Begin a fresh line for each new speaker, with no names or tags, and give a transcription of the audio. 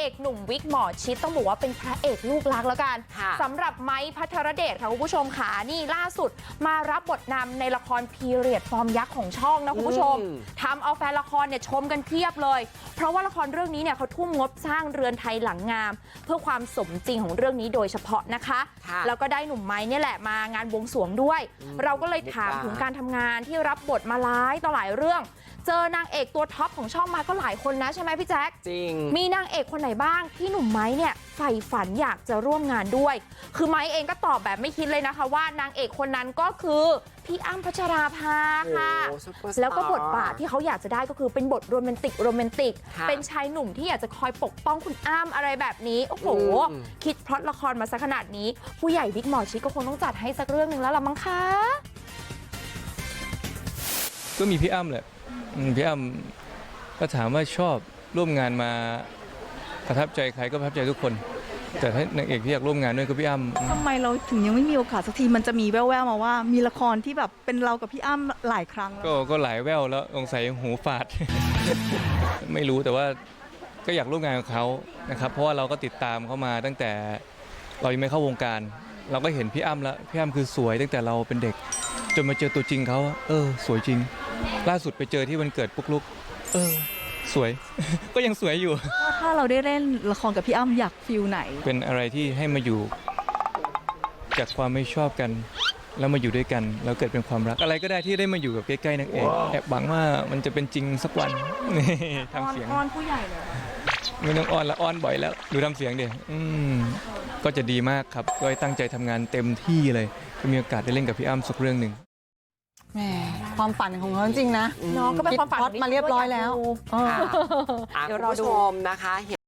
อกหนุ่มวิกหมอชิดต้องบอกว่าเป็นพระเอกลูกรักแล้วกันสำหรับไม้พัทรเดชค่ะคุณผู้ชมค่ะนี่ล่าสุดมารับบทนำในละครพีเรียดฟอร์มยักษ์ของช่องนะคุณผู้ชมทำเอาแฟนละครเนี่ยชมกันเพียบเลยเพราะว่าละครเรื่องนี้เนี่ยเขาทุ่มงบสร้างเรือนไทยหลังงามเพื่อความสมจริงของเรื่องนี้โดยเฉพาะนะคะแล้วก็ได้หนุ่มไม้เนี่ยแหละมางานบวงสรวงด้วยเราก็เลยถามถึงการทำงานที่รับบทมาหลายต่อหลายเรื่องเจอนางเอกตัวท็อปของช่องมาก็หลายคนนะใช่ไหมพี่แจ๊ค
จริง
มีนางเอกคนไหนบ้างที่หนุ่มไม้เนี่ยใฝ่ฝันอยากจะร่วมงานด้วยคือไม้เองก็ตอบแบบไม่คิดเลยนะคะว่านางเอกคนนั้นก็คือพี่อ้ำพัชราภาค่ะแล้วก็บทบาทที่เขาอยากจะได้ก็คือเป็นบทโรแมนติกเป็นชายหนุ่มที่อยากจะคอยปกป้องคุณอ้ำอะไรแบบนี้โอ้โหคิดพล็อตละครมาซะขนาดนี้ผู้ใหญ่วิกหมอชิดก็คงต้องจัดให้สักเรื่องหนึ่งแล้วล่ะมั้งคะ
ก็มีพี่อ้ำแหละพี่อ้ำก็ถามว่าชอบร่วมงานมาประทับใจใครก็ประทับใจทุกคนแต่ถ้านางเอกที่อยากร่วมงานด้วยก็พี่อ้ำ
ทำไมเราถึงยังไม่มีโอกาสสักทีมันจะมีแว่วๆมาว่ามีละครที่แบบเป็นเรากับพี่อ้ำหลายครั้งแล้ว
ก็หลายแว่วแล้วสงสัยหูฝาด ไม่รู้แต่ว่าก็อยากร่วมงานกับเขานะครับเพราะว่าเราก็ติดตามเขามาตั้งแต่เรายังไม่เข้าวงการเราก็เห็นพี่อ้ำแล้วพี่อ้ำคือสวยตั้งแต่เราเป็นเด็กจนมาเจอตัวจริงเขาสวยจริงล่าสุดไปเจอที่วันเกิดปุ๊กลุกสวย ก็ยังสวยอยู่
ถ้าเราได้เล่นละครกับพี่อ้ำอยากฟิลไหน
เป็นอะไรที่ให้มาอยู่จากความไม่ชอบกันแล้วมาอยู่ด้วยกันแล้วเกิดเป็นความรักอะไรก็ได้ที่ได้มาอยู่กับใกล้ๆนางเอกแอบหวังว่ามันจะเป็นจริงสักวันนี่ทำเสียง
อ้อนผู้ใหญ่เลย
ไม่ต้องอ้อนละอ้อนบ่อยแล้วดูทำเสียงดิก็จะดีมากครับก็ตั้งใจทำงานเต็มที่เลยก็มีโอกาสได้เล่นกับพี่อ้ำสักเรื่องหนึ่ง
แหมความฝันของเขาจริงนะ
น้องก็เป็นความฝัน
มาเรียบร้อยแล้ว
เดี๋ยวเราดูนะคะ